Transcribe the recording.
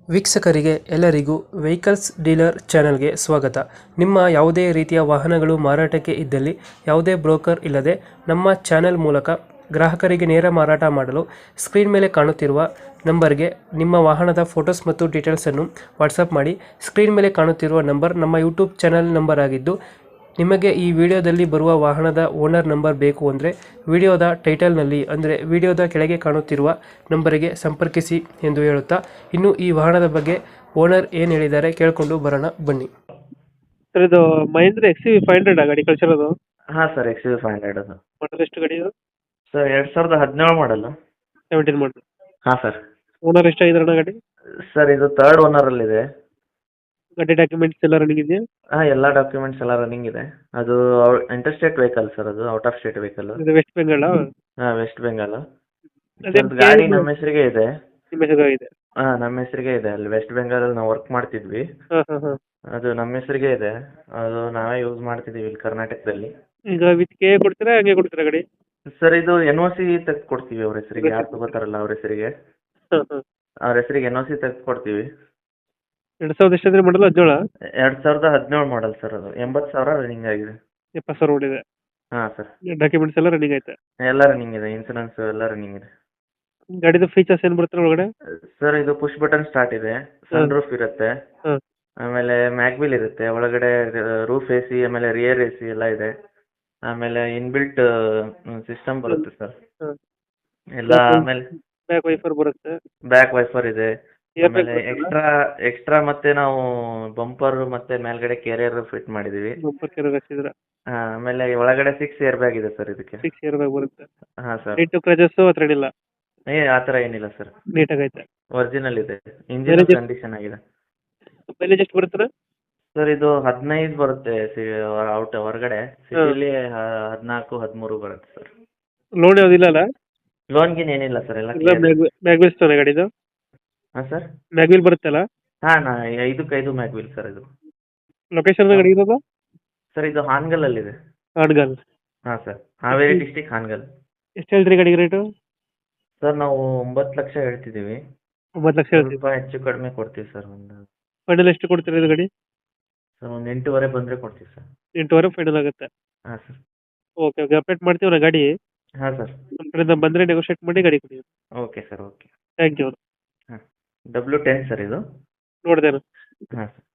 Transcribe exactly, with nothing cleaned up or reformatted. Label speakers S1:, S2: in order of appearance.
S1: ವೀಕ್ಷಕರಿಗೆ ಎಲ್ಲರಿಗೂ vehicles dealer ಚಾನೆಲ್ಗೆ ಸ್ವಾಗತ. ನಿಮ್ಮ ಯಾವುದೇ ರೀತಿಯ ವಾಹನಗಳು ಮಾರಾಟಕ್ಕೆ ಇದ್ದಲ್ಲಿ ಯಾವುದೇ ಬ್ರೋಕರ್ ಇಲ್ಲದೆ ನಮ್ಮ ಚಾನೆಲ್ ಮೂಲಕ ಗ್ರಾಹಕರಿಗೆ ನೇರ ಮಾರಾಟ ಮಾಡಲು ಸ್ಕ್ರೀನ್ ಮೇಲೆ ಕಾಣುತ್ತಿರುವ ನಂಬರ್ಗೆ ನಿಮ್ಮ ವಾಹನದ ಫೋಟೋಸ್ ಮತ್ತು ಡೀಟೇಲ್ಸನ್ನು ವಾಟ್ಸಪ್ ಮಾಡಿ. ಸ್ಕ್ರೀನ್ ಮೇಲೆ ಕಾಣುತ್ತಿರುವ ನಂಬರ್ ನಮ್ಮ ಯೂಟ್ಯೂಬ್ ಚಾನೆಲ್ ನಂಬರ್ ಆಗಿದ್ದು, ನಿಮಗೆ ಈ ವಿಡಿಯೋದಲ್ಲಿ ಬರುವ ವಾಹನದ ಓನರ್ ನಂಬರ್ ಬೇಕು ಅಂದರೆ ವಿಡಿಯೋದ ಟೈಟಲ್ನಲ್ಲಿ ಅಂದರೆ ವಿಡಿಯೋದ ಕೆಳಗೆ ಕಾಣುತ್ತಿರುವ ನಂಬರಿಗೆ ಸಂಪರ್ಕಿಸಿ ಎಂದು ಹೇಳುತ್ತಾ, ಇನ್ನು ಈ ವಾಹನದ ಬಗ್ಗೆ ಓನರ್ ಏನು ಹೇಳಿದ್ದಾರೆ ಕೇಳಿಕೊಂಡು ಬರೋಣ ಬನ್ನಿ. ಸರ್, ಇದು Mahindra X V five hundred ಗಾಡಿ ಕಳಿಸಿರೋದು?
S2: ಹಾಂ sir, X V five hundred ಅದು.
S1: ಮಾಡಲ್ ಎಷ್ಟು ಗಾಡಿ ಇದು?
S2: ಸರ್ ಎರಡು ಸಾವಿರದ ಹದಿನೇಳು ಮಾಡಲು.
S1: Seventeen model.
S2: ಹಾಂ ಸರ್.
S1: ಓನರ್ ಎಷ್ಟಾಗಿದಾರಣ ಗಾಡಿ?
S2: ಸರ್ ಇದು ತರ್ಡ್ ಓನರಲ್ಲಿದೆ.
S1: ಗಾಡಿ ಡಾಕ್ಯುಮೆಂಟ್ಸ್ ಎಲ್ಲ ರನ್ನಿಂಗ್ ಇದೆಯಾ?
S2: ಹಾಂ, ಎಲ್ಲ ಡಾಕ್ಯುಮೆಂಟ್ಸ್ ಎಲ್ಲ ರನ್ನಿಂಗ್ ಇದೆ. ಅದು ಇಂಟರ್ ಸ್ಟೇಟ್ ವೆಹಿಕಲ್ ಸರ್, ಅದು ಔಟ್ ಆಫ್ ಸ್ಟೇಟ್ ವೆಹಿಕಲ್.
S1: ಇದು ವೆಸ್ಟ್ ಬೆಂಗಾಲ?
S2: ಹಾಂ, ವೆಸ್ಟ್ ಬೆಂಗಾಲ್.
S1: ಅದೇ
S2: ಗಾಡಿ ನಮ್ಮ ಹೆಸರಿಗೆ ಇದೆ.
S1: ನಿಮ್ಮ ಹೆಸರಾಗಿದೆ?
S2: ಹಾಂ, ನಮ್ಮ ಹೆಸರಿಗೆ ಇದೆ. ಅಲ್ಲಿ ವೆಸ್ಟ್ ಬೆಂಗಾಲಲ್ಲಿ ನಾವು ವರ್ಕ್ ಮಾಡ್ತಿದ್ವಿ.
S1: ಹಾಂ ಹಾಂ ಹಾಂ.
S2: ಅದು ನಮ್ಮ ಹೆಸರಿಗೆ ಇದೆ. ಅದು ನಾವೇ ಯೂಸ್ ಮಾಡ್ತಿದ್ದೀವಿ ಇಲ್ಲಿ ಕರ್ನಾಟಕದಲ್ಲಿ.
S1: ಈಗ ವಿತ್ ಕೆ ಕೊಡ್ತೀರಾ ಹಂಗೆ ಕೊಡ್ತೀರಾ ಗಾಡಿ?
S2: ಸರ್ ಇದು ಎನ್ ಒ ಸಿ ತೆಗೆದು ಕೊಡ್ತೀವಿ ಅವ್ರ ಹೆಸರಿಗೆ. ಯಾರು ತಗೋತಾರಲ್ಲ ಅವ್ರ ಹೆಸರಿಗೆ,
S1: ಹಾಂ ಹಾಂ.
S2: ಅವ್ರ ಹೆಸರಿಗೆ ಎನ್ ಒ ಸಿ ತೆಗೆದು ಕೊಡ್ತೀವಿ.
S1: ಎರಡು ಸಾವಿರದ ಎಷ್ಟಾದ್ರೆ ಮಾಡಲ್ಲ? ಹದಿನೇಳ?
S2: ಎರಡು ಸಾವಿರದ ಹದಿನೇಳು ಮಾಡಲ್ ಸರ್. ಅದು ಎಂಬತ್ತು ಸಾವಿರ ರನ್ನಿಂಗ್ ಆಗಿದೆ.
S1: ಎಪ್ಪತ್ತು ಸಾವಿರ ಓಡಿದೆ?
S2: ಹಾಂ ಸರ್.
S1: ಡಾಕ್ಯುಮೆಂಟ್ಸ್ ಎಲ್ಲ ರನ್ನಿಂಗ್ ಐತೆ?
S2: ಎಲ್ಲ ರನ್ನಿಂಗ್ ಇದೆ, ಇನ್ಸೂರೆನ್ಸ್ ಎಲ್ಲ ರನ್ನಿಂಗ್ ಇದೆ.
S1: ಗಾಡಿದು ಫೀಚರ್ಸ್ ಏನು ಬರುತ್ತೆ ಒಳಗಡೆ?
S2: ಸರ್ ಇದು ಪುಷ್ ಬಟನ್ ಸ್ಟಾರ್ಟ್ ಇದೆ, ಸನ್ ರೂಫ್ ಇರುತ್ತೆ,
S1: ಹಾಂ.
S2: ಆಮೇಲೆ ಮ್ಯಾಗ್ವಿಲ್ ಇರುತ್ತೆ ಒಳಗಡೆ, ರೂಫ್ ಎ ಸಿ, ಆಮೇಲೆ ರಿಯರ್ ಎ ಸಿ ಎಲ್ಲ ಇದೆ. ಆಮೇಲೆ ಇನ್ಬಿಲ್ಟ್ ಸಿಸ್ಟಮ್ ಬರುತ್ತೆ ಸರ್
S1: ಹಾಂ.
S2: ಎಲ್ಲ. ಆಮೇಲೆ
S1: ಬ್ಯಾಕ್ ವೈಫರ್ ಬರುತ್ತೆ?
S2: ಬ್ಯಾಕ್ ವೈಫರ್ ಇದೆ.
S1: ಏರ್ ಬ್ಯಾಗ್
S2: ಆಮೇಲೆ
S1: ಬರುತ್ತಲ್ಲ?
S2: ಎಕ್ಸ್ಟ್ರಾ ಎಕ್ಸ್ಟ್ರಾ ಮತ್ತೆ ನಾವು ಬಂಪರ್ ಮತ್ತೆ ಮೇಲ್ಗಡೆ ಕೆರಿಯರ್ ಫಿಟ್ ಮಾಡಿದೀವಿ.
S1: ಬಂಪರ್ ಕೆರರ್ ಹಾಕ್ಸಿದ್ರ?
S2: ಹಾಂ, ಆಮೇಲೆ ಒಳಗಡೆ ಸಿಕ್ಸ್ ಏರ್ ಬ್ಯಾಗ್ ಇದೆ ಸರ್ ಇದಕ್ಕೆ.
S1: ಸಿಕ್ಸ್ ಏರ್ ಬ್ಯಾಗ್ ಬರುತ್ತೆ?
S2: ಹಾಂ ಸರ್.
S1: ಲೈಟು ಕ್ರಚಸ್ಸು ಹತ್ರ ಏನಿಲ್ಲ?
S2: ಏ ಆ ಥರ ಏನಿಲ್ಲ ಸರ್,
S1: ನೀಟಾಗೈತೆ?
S2: ಒರಿಜಿನಲ್ ಇದೆ, ಇಂಜಿನ್
S1: ಮೈಲೇಜ್
S2: ಕಂಡೀಷನ್ ಆಗಿದೆ.
S1: ಮೈಲೇಜ್ ಎಷ್ಟು ಬರುತ್ತೆ?
S2: ಸರ್ ಇದು ಹದಿನೈದು ಬರುತ್ತೆ ಸಿ ಔಟ್ ಹೊರಗಡೆ. ಸಿಟಿಲಿ ಹದಿನಾಲ್ಕು ಹದಿಮೂರು ಬರುತ್ತೆ ಸರ್.
S1: ಲೋನ್ ಯಾವುದಿಲ್ಲ ಅಲ್ಲ?
S2: ಲೋನ್ ಗಿನ್ ಏನಿಲ್ಲ ಸರ್, ಎಲ್ಲ
S1: ಇಲ್ಲ. ಮ್ಯಾಗ್ವಿಲ್ಸ್ ತಾನೆ ಗಾಡಿದು?
S2: ಹಾಂ ಸರ್.
S1: ಮ್ಯಾಗ್ವಿಲ್ ಬರುತ್ತಲ್ಲ?
S2: ಹಾಂ, ನಾ ಐದಕ್ಕೆ ಐದು ಮ್ಯಾಗ್ವಿಲ್ ಸರ್ ಇದು.
S1: ಲೊಕೇಶನ್ ಗಾಡಿ ಇರೋದು?
S2: ಸರ್ ಇದು ಹಾನಗಲ್ಲಲ್ಲಿದೆ.
S1: ಹಾನಗಲ್?
S2: ಹಾಂ ಸರ್, ಹಾವೇರಿ ಡಿಸ್ಟಿಕ್ ಹಾನಗಲ್.
S1: ಎಷ್ಟು ಹೇಳ್ತೀರಿ ಗಾಡಿಗೆ ರೇಟು?
S2: ಸರ್ ನಾವು ಒಂಬತ್ತು ಲಕ್ಷ ಹೇಳ್ತಿದ್ದೀವಿ.
S1: ಒಂಬತ್ತು ಲಕ್ಷ ಹೇಳ್ತೀವಿ?
S2: ಸ್ವಲ್ಪ ಹೆಚ್ಚು ಕಡಿಮೆ ಕೊಡ್ತೀವಿ ಸರ್. ಒಂದು
S1: ಫೈನಲ್ ಎಷ್ಟು ಕೊಡ್ತೀರಿ ಇದು ಗಾಡಿ?
S2: ಸರ್ ಒಂದು ಎಂಟೂವರೆ ಬಂದರೆ ಕೊಡ್ತೀವಿ ಸರ್.
S1: ಎಂಟೂವರೆ ಫೈನಲ್ ಆಗುತ್ತೆ?
S2: ಹಾಂ ಸರ್.
S1: ಓಕೆ ಓಕೆ, ಅಪ್ಡೇಟ್ ಮಾಡ್ತೀವಿ ನಾ ಗಾಡಿ.
S2: ಹಾಂ ಸರ್.
S1: ನಮ್ಮ ಕಡೆಯಿಂದ ಬಂದರೆ ನೆಗೋಷಿಯೇಟ್ ಮಾಡಿ ಗಾಡಿ ಕೊಡಿ.
S2: Okay sir, okay.
S1: Thank you.
S2: ಹಾಂ, ಡಬ್ಲ್ಯೂ ಟೆನ್ ಸರ್ ಇದು.
S1: ನೋಡಿದೆ.
S2: ಹಾಂ ಸರ್.